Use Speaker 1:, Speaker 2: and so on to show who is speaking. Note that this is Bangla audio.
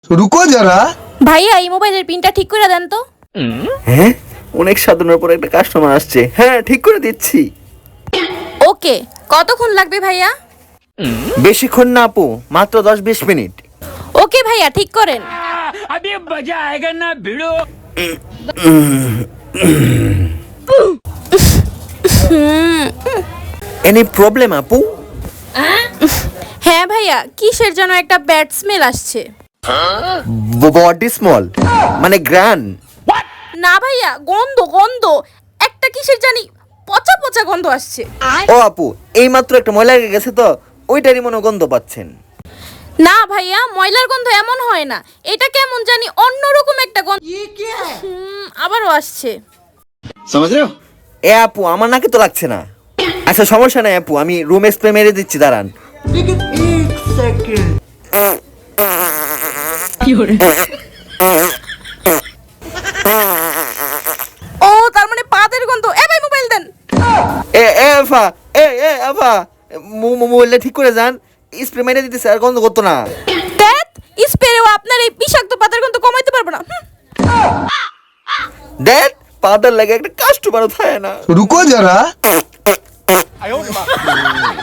Speaker 1: रुको जरा।
Speaker 2: ভাইয়া এই মোবাইলের পিনটা ঠিক করে দেন তো।
Speaker 3: হ্যাঁ, অনেক সাধনার পর একটা কাস্টমার আসছে। হ্যাঁ, ঠিক করে দিচ্ছি।
Speaker 2: ওকে, কতক্ষণ লাগবে ভাইয়া?
Speaker 3: বেশিক্ষণ না আপু, মাত্র 10-20 মিনিট।
Speaker 2: ওকে ভাইয়া, ঠিক করেন।
Speaker 4: अभी मजा आएगा ना भिड़ो।
Speaker 3: এনি প্রবলেম আপু?
Speaker 2: হ্যাঁ ভাইয়া, কিসের যেন একটা ব্যাড স্মেল আসছে।
Speaker 3: বডি স্মল মানে গ্র্যান্ড?
Speaker 2: না ভাইয়া, গন্ধ গন্ধ, একটা কিসের জানি পচা পচা গন্ধ আসছে।
Speaker 3: ও আপু, এই মাত্র একটা ময়লা লেগে গেছে তো, ওইটারই মনে হয় গন্ধ পাচ্ছেন।
Speaker 2: না ভাইয়া, ময়লার গন্ধ এমন হয় না, এটা কেমন জানি অন্যরকম একটা গন্ধ। আবারও আসছে।
Speaker 3: এ আপু, আমার নাকে তো লাগছে না। আচ্ছা সমস্যা নাই আপু, আমি রুম স্প্রে মেরে দিচ্ছি, দাঁড়ান।
Speaker 2: ও তার মানে পাদের গন্ধ। এ ভাই মোবাইল দেন।
Speaker 3: এ এ আফা, এ আফা, মোবাইলটা ঠিক করে যান। স্প্রে মেরে দিতেছে, আর গন্ধ করতো না।
Speaker 2: ধ্যাৎ, স্প্রেও আপনার এই বিষাক্ত পাতার গন্ধ কমাইতে পারবো না।
Speaker 3: দেখ, পাউডার লাগে একটা কাস্টমারও থাকে না।
Speaker 1: रुको जरा।